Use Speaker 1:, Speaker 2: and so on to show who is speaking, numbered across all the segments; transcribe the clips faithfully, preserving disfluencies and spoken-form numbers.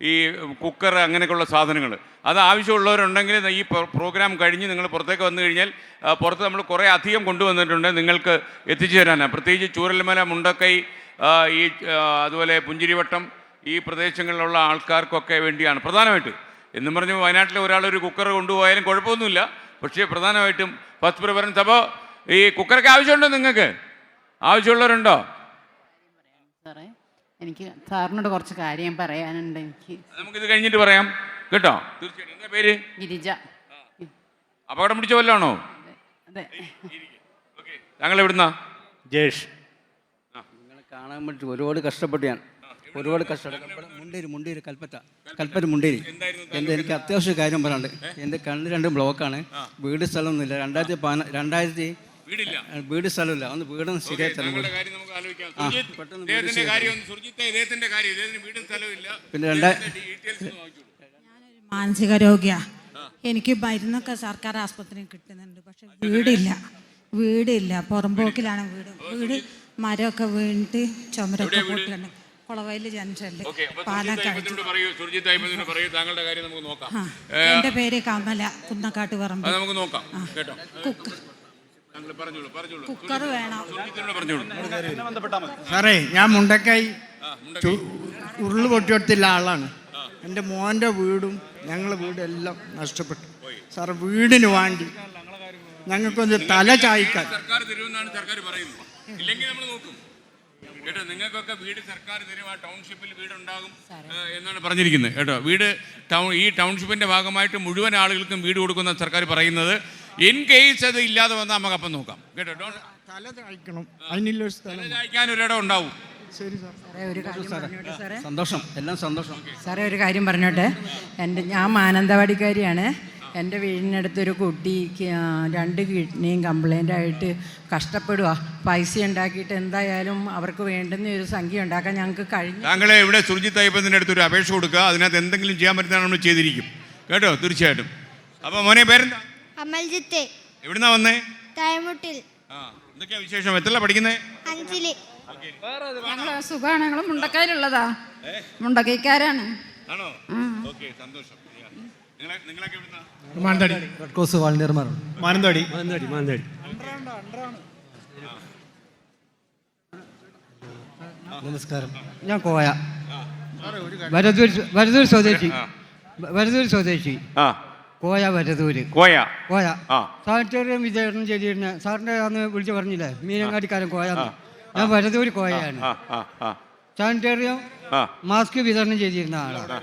Speaker 1: ഈ കുക്കർ അങ്ങനെയൊക്കെയുള്ള സാധനങ്ങൾ. അത് ആവശ്യമുള്ളവരുണ്ടെങ്കിൽ ഈ പ്രോഗ്രാം കഴിഞ്ഞ് നിങ്ങൾ പുറത്തേക്ക് വന്നു കഴിഞ്ഞാൽ പുറത്ത് നമ്മൾ കുറേ അധികം കൊണ്ടുവന്നിട്ടുണ്ട് നിങ്ങൾക്ക് എത്തിച്ചു തരാനാണ്. പ്രത്യേകിച്ച് ചൂരൽമല, മുണ്ടക്കൈ, ഈ അതുപോലെ പുഞ്ചിരിവട്ടം ഈ പ്രദേശങ്ങളിലുള്ള ആൾക്കാർക്കൊക്കെ വേണ്ടിയാണ് പ്രധാനമായിട്ട്. എന്നും പറഞ്ഞ് വയനാട്ടിലെ ഒരാളൊരു കുക്കർ കൊണ്ടുപോയാലും കുഴപ്പമൊന്നുമില്ല. പക്ഷേ പ്രധാനമായിട്ടും ഫസ്റ്റ് പ്രിഫറൻസ്. അപ്പോൾ ഈ കുക്കറൊക്കെ ആവശ്യമുണ്ടോ? നിങ്ങൾക്ക് ആവശ്യമുള്ളവരുണ്ടോ?
Speaker 2: സാറേ, എനിക്ക് സാറിനോട് കുറച്ച് കാര്യം പറയാനുണ്ട്. എനിക്ക്
Speaker 1: നമുക്കിത് കഴിഞ്ഞിട്ട് പറയാം കേട്ടോ. തീർച്ചയായിട്ടും. എന്താ പേര്?
Speaker 2: ഗിരിജ.
Speaker 1: അപകടം പിടിച്ച വല്ലാണോ?
Speaker 2: അതെ.
Speaker 1: താങ്കൾ എവിടുന്നാ?
Speaker 3: ജേഷ്. നിങ്ങളെ കാണാൻ വേണ്ടി ഒരുപാട് കഷ്ടപ്പെട്ടു. ഞാൻ ഒരുപാട് കഷ്ടപ്പെട്ടു. മുണ്ടേരി മുണ്ടേരി കൽപ്പറ്റ കൽപ്പറ്റ മുണ്ടേരി. എൻ്റെ എനിക്ക് അത്യാവശ്യ കാര്യം പറയാനുണ്ട്. എൻ്റെ കണ്ണ് രണ്ട് ബ്ലോക്കാണ്. വീട് സ്ഥലമൊന്നുമില്ല. രണ്ടായിരത്തി പതിന രണ്ടായിരത്തി വീട് സ്ഥലമില്ല. ഒന്ന് വീടൊന്ന് ശരിയായി തരണം. പിന്നെ രണ്ടായിരത്തി
Speaker 4: മാനസിക രോഗിയാ. എനിക്ക് മരുന്നൊക്കെ സർക്കാർ ആസ്പത്രിയിൽ കിട്ടുന്നുണ്ട്. പക്ഷെ വീടില്ല വീടില്ല പുറമ്പോക്കിലാണ് വീട്. വീട് മരമൊക്കെ വീണിട്ട് ചുമരൊക്കെ പൊട്ടിയുണ്ട്. കുളവയൽ ജംഗ്ഷനില്, പാലക്കാട്. എൻ്റെ പേര് കമല, കുന്നക്കാട്ട് പറമ്പ്. കുക്കർ വേണം
Speaker 5: സാറേ. ഞാൻ മുണ്ടക്കൈ ഉരുള് പൊട്ടിയെടുത്തുള്ള ആളാണ്. എൻ്റെ മോൻ്റെ വീടും ഞങ്ങളെ വീടും എല്ലാം നഷ്ടപ്പെട്ടു സാർ. വീടിന് വേണ്ടി ഞങ്ങൾക്കൊന്ന് തല ചായ്ക്കാൻ
Speaker 1: സർക്കാർ തരുമെന്നാണ് സർക്കാർ പറയുന്നത്. ഇല്ലെങ്കിൽ നമ്മൾ നോക്കും കേട്ടോ. നിങ്ങൾക്കൊക്കെ വീട് സർക്കാർ തരും. ആ ടൗൺഷിപ്പിൽ വീടുണ്ടാകും എന്നാണ് പറഞ്ഞിരിക്കുന്നത് കേട്ടോ. വീട് ടൗൺ ഈ ടൗൺഷിപ്പിൻ്റെ ഭാഗമായിട്ട് മുഴുവൻ ആളുകൾക്കും വീട് കൊടുക്കുന്ന സർക്കാർ പറയുന്നത്. ഇൻ കേസ് അത് ഇല്ലാതെ വന്നാൽ നമുക്ക് അപ്പം നോക്കാം കേട്ടോ.
Speaker 5: തല ചായ്ക്കണം. അതിനുള്ള
Speaker 1: തല ചായ്ക്കാൻ ഒരിടം ഉണ്ടാവും.
Speaker 5: ശരി സാർ.
Speaker 2: സാറേ, ഒരു കാര്യം പറഞ്ഞോട്ടെ സാറേ.
Speaker 3: സന്തോഷം, എല്ലാം സന്തോഷം.
Speaker 2: സാറേ, ഒരു കാര്യം പറഞ്ഞോട്ടെ. എൻ്റെ ഞാൻ മാനന്തവാടിക്കാരിയാണ്. എൻ്റെ വീടിനടുത്തൊരു കുട്ടിക്ക് രണ്ട് കിഡ്നിയും കംപ്ലൈൻ്റ് ആയിട്ട് കഷ്ടപ്പെടുക. പൈസ ഉണ്ടാക്കിയിട്ട് എന്തായാലും അവർക്ക് വേണ്ടുന്ന ഒരു സംഖ്യ ഉണ്ടാക്കാൻ ഞങ്ങൾക്ക് കഴിഞ്ഞു.
Speaker 1: താങ്കളെ ഇവിടെ സുർജിത്ത് അയ്യപ്പത്തിൻ്റെ അടുത്ത് ഒരു അപേക്ഷ കൊടുക്കുക. അതിനകത്ത് എന്തെങ്കിലും ചെയ്യാൻ പറ്റുന്ന നമ്മൾ ചെയ്തിരിക്കും കേട്ടോ. തീർച്ചയായിട്ടും. അപ്പോൾ മോനെ പേരെന്താ?
Speaker 6: അമൽജിത്ത്.
Speaker 1: എവിടുന്നാ വന്നേ?
Speaker 6: തായ്മുട്ടിൽ.
Speaker 1: ആ, എന്തൊക്കെയാ വിശേഷം? എത്രല്ല പഠിക്കുന്നേ?
Speaker 6: അഞ്ചില്.
Speaker 4: ഞങ്ങൾ സുഖമാണ്. ഞങ്ങൾ മുണ്ടക്കയിലുള്ളതാ, മുണ്ടക്കൈക്കാരാണ്.
Speaker 1: ആണോ? ഓക്കെ, സന്തോഷം. നിങ്ങളൊക്കെ എവിടുന്നാ?
Speaker 5: മാനന്തവാടി.
Speaker 3: റെഡ് ക്രോസ് വാളണ്ടിയർമാർ.
Speaker 5: മാനന്തവാടി.
Speaker 3: മാനന്തവാടി മാനന്തവാടി നമസ്കാരം. ഞാൻ കോയ, വരദൂർ വരദൂർ സ്വദേശി. വരദൂർ സ്വദേശി കോയ. വരദൂര്
Speaker 1: കോയ.
Speaker 3: കോയ. സാനിറ്റോറിയം വിതരണം ചെയ്തിരുന്ന സാറിൻ്റെ അന്ന് വിളിച്ചു പറഞ്ഞില്ലേ, മീനങ്ങാടിക്കാരൻ കോയ. ഞാൻ വരദൂർ കോയയാണ്. സാനിറ്റോറിയം മാസ്ക് വിതരണം ചെയ്തിരുന്ന ആളാണ്.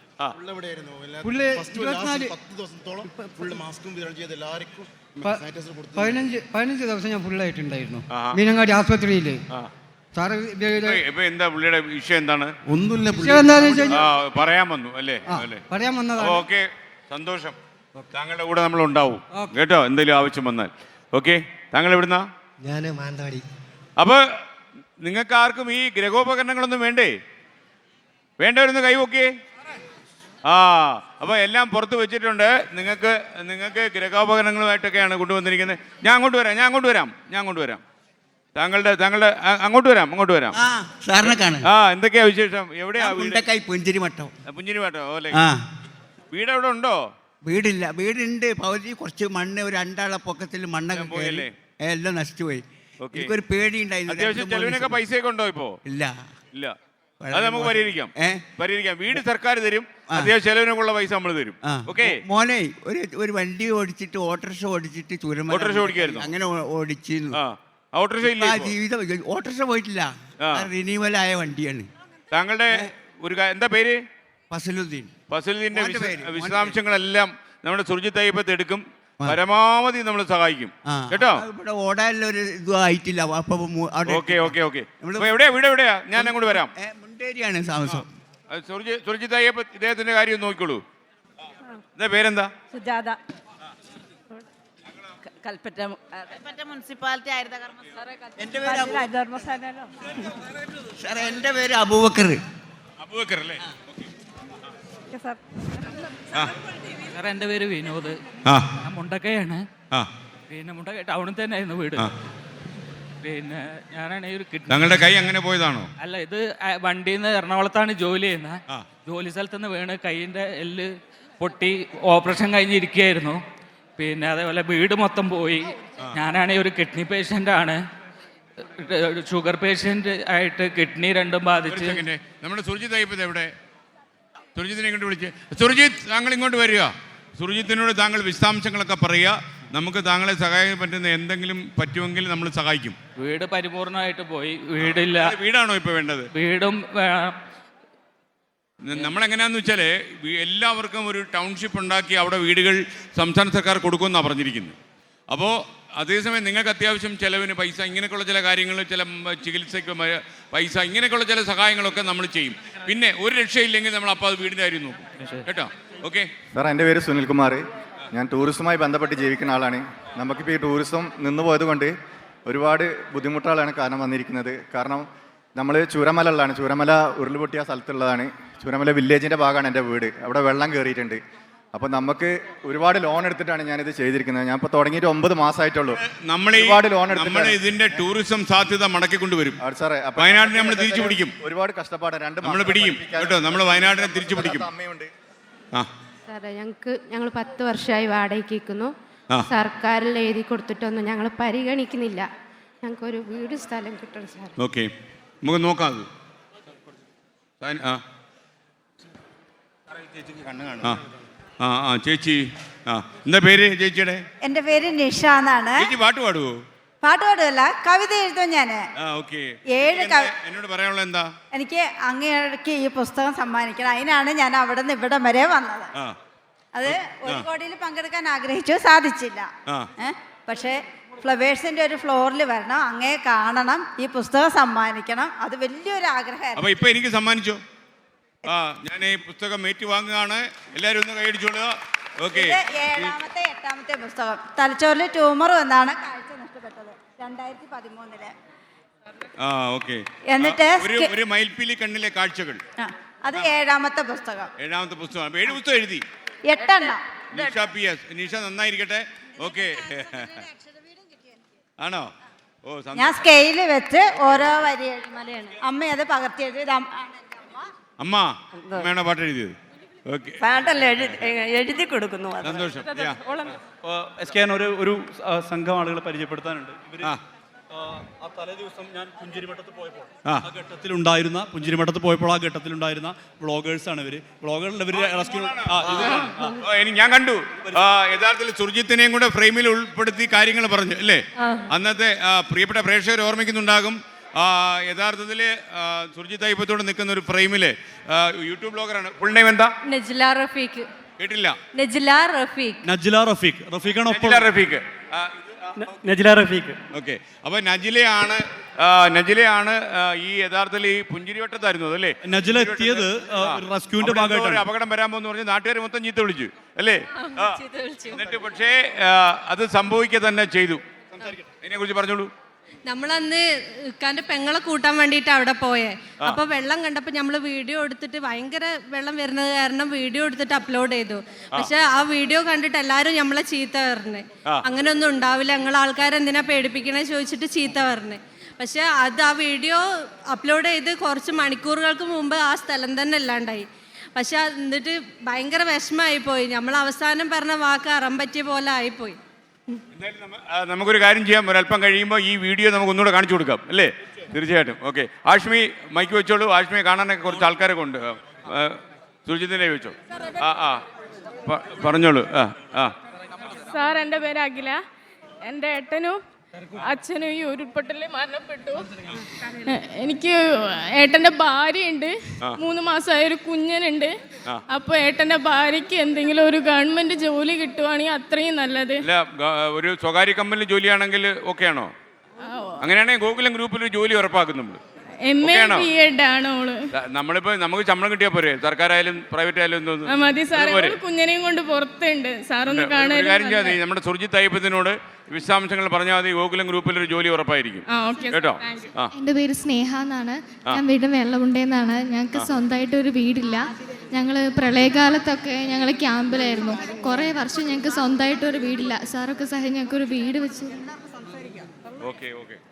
Speaker 3: പതിനഞ്ച് പതിനഞ്ച് ദിവസം ഞാൻ ഫുള്ളായിട്ടുണ്ടായിരുന്നു മീനങ്ങാടി ആസ്പത്രിയിൽ. സാറ്
Speaker 1: എന്താ പുള്ളിയുടെ വിഷയം? എന്താണ്?
Speaker 3: ഒന്നുമില്ല.
Speaker 1: പറയാൻ വന്നു അല്ലേ?
Speaker 3: പറയാൻ വന്നതാണ്.
Speaker 1: ഓക്കെ, സന്തോഷം. താങ്കളുടെ കൂടെ നമ്മൾ ഉണ്ടാവും കേട്ടോ, എന്തെങ്കിലും ആവശ്യം വന്നാൽ. ഓക്കെ, താങ്കൾ എവിടുന്നാ?
Speaker 3: ഞാൻ മാനന്തവാടി.
Speaker 1: അപ്പൊ നിങ്ങൾക്ക് ആർക്കും ഈ ഗ്രഹോപകരണങ്ങളൊന്നും വേണ്ടേ? വേണ്ടവരൊന്ന് കൈവോക്കിയേ. ആ, അപ്പോൾ എല്ലാം പുറത്ത് വെച്ചിട്ടുണ്ട്. നിങ്ങൾക്ക് നിങ്ങൾക്ക് ഗ്രഹോപകരണങ്ങളുമായിട്ടൊക്കെയാണ് കൊണ്ടുവന്നിരിക്കുന്നത്. ഞാൻ അങ്ങോട്ട് വരാം ഞാൻ അങ്ങോട്ട് വരാം ഞാൻ അങ്ങോട്ട് വരാം താങ്കളുടെ താങ്കളുടെ അങ്ങോട്ട് വരാം അങ്ങോട്ട് വരാം
Speaker 3: സാറിനെ കാണാൻ.
Speaker 1: ആ, എന്തൊക്കെയാ വിശേഷം? എവിടെയാ?
Speaker 3: മുണ്ടക്കൈ പുഞ്ചിരിമട്ടം.
Speaker 1: പുഞ്ചിരിമട്ടം അല്ലേ? വീട് എവിടെ ഉണ്ടോ?
Speaker 3: വീടില്ല. വീടുണ്ട്. പകുതി കുറച്ച് മണ്ണ്, ഒരു രണ്ടാളെ പൊക്കത്തിൽ മണ്ണൊക്കെ പോയല്ലേ, എല്ലാം നശിച്ചുപോയി. എനിക്കൊരു പേടി ഉണ്ടായിരുന്നു.
Speaker 1: അത്യാവശ്യം ചെലവിനൊക്കെ പൈസയൊക്കെ ഉണ്ടോ ഇപ്പോ?
Speaker 3: ഇല്ല
Speaker 1: ഇല്ല. അത് നമുക്ക് പരിഹരിക്കാം പരിഹരിക്കാം വീട് സർക്കാർ തരും. അത്യാവശ്യം ചെലവിനൊക്കെയുള്ള പൈസ നമ്മൾ തരും. ഓക്കെ
Speaker 3: മോനെ, ഒരു ഒരു വണ്ടി ഓടിച്ചിട്ട് ഓട്ടോറിക്ഷ ഓടിച്ചിട്ട് ചുരം
Speaker 1: ഓട്ടോറിക്ഷ ഓടിക്കായിരുന്നു.
Speaker 3: അങ്ങനെ ഓടിച്ചിരുന്നു.
Speaker 1: ഓട്ടോറിക്ഷ ഇല്ല
Speaker 3: ജീവിതം. ഓട്ടോറിക്ഷ പോയിട്ടില്ല. റിന്യൂവൽ ആയ വണ്ടിയാണ്.
Speaker 1: താങ്കളുടെ ഒരു എന്താ പേര്?
Speaker 3: ഫസലുദ്ദീൻ.
Speaker 1: ഫസലുദ്ദീന്റെ വിശദാംശങ്ങളെല്ലാം നമ്മുടെ സുർജിത്ത് അയ്യപ്പത്ത് എടുക്കും. പരമാവധി നമ്മൾ സഹായിക്കും കേട്ടോ.
Speaker 3: ഇവിടെ ഓടാനുള്ള ഒരു ഇതും ആയിട്ടില്ല.
Speaker 1: ഓക്കെ ഓക്കെ ഓക്കെ എവിടെയാ വീട്? എവിടെയാ? ഞാൻ അങ്ങോട്ട് വരാം.
Speaker 3: മുണ്ടേരിയാണ് താമസം.
Speaker 1: സുർജിത്ത് അയ്യപ്പ ഇദ്ദേഹത്തിന്റെ കാര്യം നോക്കിക്കോളൂ. എന്താ പേരെന്താ?
Speaker 2: സുജാത. കൽപ്പറ്റ കൽപ്പറ്റ മുനിസിപ്പാലിറ്റി ആയിരുന്നു.
Speaker 3: സാറേ, എൻ്റെ പേര് അബൂബക്കർ.
Speaker 1: അബൂബക്കർ അല്ലേ?
Speaker 7: സാറേ, എൻ്റെ പേര് വിനോദ്. ഞാൻ മുണ്ടക്കയാണ്. പിന്നെ മുണ്ടക്കൈ ടൗണിൽ തന്നെ ആയിരുന്നു വീട്. പിന്നെ ഞാനാണെങ്കിൽ ഒരു കിഡ്നി
Speaker 1: താങ്കളുടെ കൈ അങ്ങനെ പോയതാണോ?
Speaker 7: അല്ല, ഇത് ആ- വണ്ടിയിൽ നിന്ന് എറണാകുളത്താണ് ജോലി ചെയ്യുന്നത്.
Speaker 1: ആ.
Speaker 7: ജോലി സ്ഥലത്ത് നിന്ന് വീണ് കൈയിൻ്റെ എല്ല് പൊട്ടി ഓപ്പറേഷൻ കഴിഞ്ഞിരിക്കുകയായിരുന്നു. പിന്നെ അതേപോലെ വീട് മൊത്തം പോയി. ഞാനാണെങ്കിൽ ഒരു കിഡ്നി പേഷ്യൻ്റ് ആണ്. ഷുഗർ പേഷ്യൻ്റ് ആയിട്ട് കിഡ്നി രണ്ടും ബാധിച്ച്.
Speaker 1: സെക്കൻഡ്, നമ്മുടെ സുർജിത് അയ്യപ്പത് എവിടെ? സുർജിത്തിനെ ഇങ്ങോട്ട് വിളിച്ച്. സുർജിത്ത്, താങ്കൾ ഇങ്ങോട്ട് വരിക. സുർജിത്തിനോട് താങ്കൾ വിശദാംശങ്ങളൊക്കെ പറയുക. നമുക്ക് താങ്കളെ സഹായിക്കാൻ പറ്റുന്ന എന്തെങ്കിലും പറ്റുമെങ്കിൽ നമ്മൾ സഹായിക്കും.
Speaker 7: വീട് പരിപൂർണമായിട്ട് പോയി. വീടില്ല.
Speaker 1: വീടാണോ ഇപ്പോൾ വേണ്ടത്?
Speaker 7: വീടും വേണം.
Speaker 1: നമ്മളെങ്ങനെയാന്ന് വെച്ചാൽ എല്ലാവർക്കും ഒരു ടൗൺഷിപ്പ് ഉണ്ടാക്കി അവിടെ വീടുകൾ സംസ്ഥാന സർക്കാർ കൊടുക്കുമെന്നാണ് പറഞ്ഞിരിക്കുന്നത്. അപ്പോൾ അതേസമയം നിങ്ങൾക്ക് അത്യാവശ്യം ചിലവിന് പൈസ, ഇങ്ങനെയൊക്കെയുള്ള ചില കാര്യങ്ങൾ, ചില ചികിത്സയ്ക്ക് പൈസ, ഇങ്ങനെയൊക്കെയുള്ള ചില സഹായങ്ങളൊക്കെ നമ്മൾ ചെയ്യും. പിന്നെ ഒരു രക്ഷയില്ലെങ്കിൽ നമ്മൾ അപ്പോൾ അത് വീടിൻ്റെ കാര്യം നോക്കും. കേട്ടോ? ഓക്കെ
Speaker 8: സാർ, എൻ്റെ പേര് സുനിൽകുമാർ. ഞാൻ ടൂറിസവുമായി ബന്ധപ്പെട്ട് ജീവിക്കുന്ന ആളാണ്. നമുക്കിപ്പോൾ ഈ ടൂറിസം നിന്ന് പോയത് കൊണ്ട് ഒരുപാട് ബുദ്ധിമുട്ടുകളാണ് കാരണം വന്നിരിക്കുന്നത്. കാരണം നമ്മൾ ചൂരമലയിലാണ്, ചൂരമല ഉരുൾപൊട്ടിയ സ്ഥലത്തുള്ളതാണ്. ചൂരമല വില്ലേജിൻ്റെ ഭാഗമാണ് എൻ്റെ വീട്. അവിടെ വെള്ളം കയറിയിട്ടുണ്ട്. അപ്പോൾ നമുക്ക് ഒരുപാട് ലോൺ എടുത്തിട്ടാണ് ഞാനിത് ചെയ്തിരിക്കുന്നത്. ഞാൻ ഇപ്പോൾ തുടങ്ങിയിട്ട് ഒമ്പത് മാസമായിട്ടുള്ളൂ.
Speaker 1: നമ്മൾ
Speaker 8: ഒരുപാട് ലോൺ
Speaker 1: നമ്മൾ ഇതിന്റെ ടൂറിസം സാധ്യത മടക്കിക്കൊണ്ടുവരും.
Speaker 8: സാറേ,
Speaker 1: വയനാടിനെ നമ്മൾ തിരിച്ചു പിടിക്കും.
Speaker 8: ഒരുപാട് കഷ്ടപ്പാടാണ്. രണ്ട്
Speaker 1: നമ്മൾ പിടിക്കും കേട്ടോ. നമ്മൾ വയനാടിനെ തിരിച്ചു പിടിക്കും.
Speaker 8: അമ്മയുണ്ട്.
Speaker 1: ആ
Speaker 9: സാറേ, ഞങ്ങൾക്ക് ഞങ്ങൾ പത്ത് വർഷമായി വാടകയ്ക്ക് നിൽക്കുന്നു.
Speaker 1: ആ.
Speaker 9: സർക്കാരിൽ എഴുതി കൊടുത്തിട്ടൊന്നും ഞങ്ങൾ പരിഗണിക്കുന്നില്ല. ഞങ്ങൾക്കൊരു വീട് സ്ഥലം കിട്ടണം സാർ.
Speaker 1: ഓക്കെ, നമുക്ക് നോക്കാം അത്. ആ ആ ആ ആ ചേച്ചി, ആ എന്താ പേര് ചേച്ചിയുടെ?
Speaker 10: എൻ്റെ പേര് നിഷ എന്നാണ്.
Speaker 1: ചേച്ചി പാട്ട് പാടുവോ?
Speaker 10: പാട്ട് പാടുമല്ല, കവിത എഴുതും ഞാൻ.
Speaker 1: ആ ഓക്കെ.
Speaker 10: ഏഴ് കവി
Speaker 1: എന്നോട് പറയാനുള്ള എന്താ?
Speaker 10: എനിക്ക് അങ്ങേക്ക് ഈ പുസ്തകം സമ്മാനിക്കണം. അതിനാണ് ഞാൻ അവിടെ നിന്ന് ഇവിടം വരെ വന്നത്.
Speaker 1: ആ
Speaker 10: അത് ഒരു കോടിയിൽ പങ്കെടുക്കാൻ ആഗ്രഹിച്ചു, സാധിച്ചില്ല.
Speaker 1: ആ.
Speaker 10: ഏഹ് പക്ഷേ ഫ്ലവേഴ്സിന്റെ ഒരു ഫ്ലോറിൽ വരണം, അങ്ങേ കാണണം, ഈ പുസ്തകം സമ്മാനിക്കണം. അത് വലിയൊരു ആഗ്രഹമായിരുന്നു.
Speaker 1: അപ്പൊ ഇപ്പൊ എനിക്ക് സമ്മാനിച്ചോ? ആ, ഞാൻ ഈ പുസ്തകം ഏറ്റുവാങ്ങുകയാണ്. എല്ലാവരും ഒന്ന് കൈയടിച്ചോളുക. ഓക്കെ.
Speaker 10: ഇത് ഏഴാമത്തെ എട്ടാമത്തെ പുസ്തകം. തലച്ചോറിൽ ട്യൂമർ വന്നാണ് കാഴ്ച നഷ്ടപ്പെട്ടത് രണ്ടായിരത്തി പതിമൂന്നില്.
Speaker 1: ആ ഓക്കെ.
Speaker 10: എന്നിട്ട്
Speaker 1: ഒരു ഒരു മയിൽപ്പീലി കണ്ണിലെ കാഴ്ചകൾ.
Speaker 10: ആ, അത് ഏഴാമത്തെ പുസ്തകം.
Speaker 1: ഏഴാമത്തെ പുസ്തകം. ഏഴ് പുസ്തകം എഴുതി.
Speaker 10: എട്ടെണ്ണം.
Speaker 1: Nisha P S. നിഷ നന്നായിരിക്കട്ടെ. ഓക്കെ. ആണോ? ഓ സന്തോഷം.
Speaker 10: ഞാൻ സ്കെയില് വെച്ച് ഓരോ വരി അമ്മ അത് പകർത്തി എഴുതി.
Speaker 1: അമ്മ അമ്മയാണോ പാട്ട് എഴുതിയത്? ഓക്കെ,
Speaker 10: പാട്ടല്ല എഴുതി കൊടുക്കുന്നു.
Speaker 1: സന്തോഷം. യാ.
Speaker 11: എസ് കെ ഒരു ഒരു സംഘം ആളുകളെ പരിചയപ്പെടുത്താനുണ്ട്. ഇവര്
Speaker 1: ആ.
Speaker 11: ആ തലേ ദിവസം ഞാൻ പുഞ്ചിരിമഠത്ത് പോയപ്പോൾ
Speaker 1: ആ.
Speaker 11: ആ ഘട്ടത്തിലുണ്ടായിരുന്ന പുഞ്ചിരിമഠത്ത് പോയപ്പോൾ ആ ഘട്ടത്തിലുണ്ടായിരുന്ന വ്ളോഗേഴ്സാണ് ഇവര്. വ്ളോഗറിൽ ഇവര് റെസ്ക്യൂ
Speaker 1: ഓ, എനിക്ക് ഞാൻ കണ്ടു. ആ, യഥാർത്ഥത്തിൽ സുർജിത്തിനെയും കൂടെ ഫ്രെയിമിൽ ഉൾപ്പെടുത്തി കാര്യങ്ങൾ പറഞ്ഞു അല്ലേ? അന്നത്തെ ആ, പ്രിയപ്പെട്ട പ്രേക്ഷകർ ഓർമ്മിക്കുന്നുണ്ടാകും. യഥാർത്ഥത്തിൽ സുർജിത്ത് അയ്യപ്പത്തോട് നിൽക്കുന്ന ഒരു ഫ്രെയിമില് യൂട്യൂബ് ബ്ലോഗറാണ്. ഫുൾ നെയിം എന്താ?
Speaker 9: നജ്ല റഫീഖ്.
Speaker 1: കേട്ടില്ല?
Speaker 9: നജ്ല റഫീഖ്.
Speaker 11: നജ്ല റഫീഖ്. റഫീഖാണ് ഒപ്പം.
Speaker 1: നജ്ല റഫീഖ്. ആ,
Speaker 11: നജ്ല റഫീഖ്.
Speaker 1: ഓക്കെ. അപ്പൊ നജിലയാണ് ആ, നജിലയാണ് ആ, ഈ യഥാർത്ഥത്തിൽ ഈ പുഞ്ചിരിവട്ടത്തായിരുന്നു അതല്ലേ?
Speaker 11: നജില എത്തിയത് റെസ്ക്യൂവിന്റെ ഭാഗമായിട്ടാണ്.
Speaker 1: അപകടം വരാൻ പോകുന്ന പറഞ്ഞ് നാട്ടുകാർ മൊത്തം ചീത്ത വിളിച്ചു അല്ലേ? ആ. എന്നിട്ട് പക്ഷേ ആ, അത് സംഭവിക്കുക തന്നെ ചെയ്തു. അതിനെ കുറിച്ച് പറഞ്ഞോളൂ.
Speaker 9: നമ്മളന്ന് ഇക്കാന്റെ പെങ്ങളെ കൂട്ടാൻ വേണ്ടിയിട്ട് അവിടെ പോയേ. അപ്പൊ വെള്ളം കണ്ടപ്പോ നമ്മള് വീഡിയോ എടുത്തിട്ട് ഭയങ്കര വെള്ളം വരുന്നത് കാരണം വീഡിയോ എടുത്തിട്ട് അപ്ലോഡ് ചെയ്തു. പക്ഷെ ആ വീഡിയോ കണ്ടിട്ട് എല്ലാരും നമ്മളെ ചീത്ത പറഞ്ഞ്, അങ്ങനെ ഒന്നും ഉണ്ടാവില്ല, നിങ്ങൾ ആൾക്കാരെന്തിനാ പേടിപ്പിക്കണേ ചോദിച്ചിട്ട് ചീത്ത പറഞ്ഞ്. പക്ഷെ അത് ആ വീഡിയോ അപ്ലോഡ് ചെയ്ത് കുറച്ച് മണിക്കൂറുകൾക്ക് മുമ്പ് ആ സ്ഥലം തന്നെ ഇല്ലാണ്ടായി. പക്ഷെ എന്നിട്ട് ഭയങ്കര വിഷമമായി പോയി. നമ്മൾ അവസാനം പറഞ്ഞ വാക്ക് അറം പറ്റിയ പോലെ ആയിപ്പോയി.
Speaker 1: നമുക്കൊരു കാര്യം ചെയ്യാം, ഒരല്പം കഴിയുമ്പോൾ ഈ വീഡിയോ നമുക്ക് ഒന്നുകൂടെ കാണിച്ചു കൊടുക്കാം അല്ലേ? തീർച്ചയായിട്ടും. ഓക്കെ, ആഷ്മി മൈക്ക് വെച്ചോളൂ. ആഷ്മിയെ കാണാനൊക്കെ കുറച്ച് ആൾക്കാരൊക്കെ ഉണ്ട്. സുർജിത്തിനെ വെച്ചോ. ആ ആ പറഞ്ഞോളൂ. ആ ആ
Speaker 12: സാർ, എൻ്റെ പേര് അഖില. എൻ്റെ ഏട്ടനും അച്ഛനും ഈ ഉരുൾപൊട്ടലിൽ മരണപ്പെട്ടു. എനിക്ക് ഏട്ടൻ്റെ ഭാര്യയുണ്ട്, മൂന്ന് മാസമായ ഒരു കുഞ്ഞനുണ്ട്. അപ്പൊ ഏട്ടൻ്റെ ഭാര്യയ്ക്ക് എന്തെങ്കിലും ഒരു ഗവൺമെന്റ് ജോലി കിട്ടുവാണെങ്കിൽ അത്രയും നല്ലത്.
Speaker 1: ഒരു സ്വകാര്യ കമ്പനി ജോലിയാണെങ്കിൽ ഓക്കെ ആണോ? അങ്ങനെയാണെങ്കിൽ ഗോകുലം ഗ്രൂപ്പിൽ ഒരു ജോലി ഉറപ്പാക്കും നമ്മൾ.
Speaker 12: എം എ ബി എഡ് ആണ് ഓള്.
Speaker 1: നമ്മളിപ്പോ നമുക്ക് ശമ്പളം കിട്ടിയാൽ പോരെ? സർക്കാരായാലും പ്രൈവറ്റ് ആയാലും എന്തോന്നു
Speaker 12: മതി സാറേ. കുഞ്ഞനെയും കൊണ്ട് പുറത്തുണ്ട് സാറൊന്ന് കാണാൻ.
Speaker 1: കാര്യം ചെയ്യാം, നമ്മുടെ സുർജിത്ത് അയ്യപ്പത്തിനോട് വിശദാംശങ്ങൾ പറഞ്ഞാൽ മതി. ഗോകുലം ഗ്രൂപ്പിൽ ഒരു ജോലി ഉറപ്പായിരിക്കും കേട്ടോ.
Speaker 12: എൻ്റെ പേര് സ്നേഹ എന്നാണ്. ഞാൻ വീട് വെള്ളമുണ്ടെന്നാണ്. ഞങ്ങൾക്ക് സ്വന്തമായിട്ട് ഒരു വീടില്ല. ഞങ്ങൾ പ്രളയകാലത്തൊക്കെ ഞങ്ങൾ ക്യാമ്പിലായിരുന്നു. കുറേ വർഷം ഞങ്ങൾക്ക് സ്വന്തമായിട്ട് ഒരു വീടില്ല. സാറൊക്കെ സഹായം ഞങ്ങൾക്ക് ഒരു വീട് വെച്ച്.
Speaker 1: Okay okay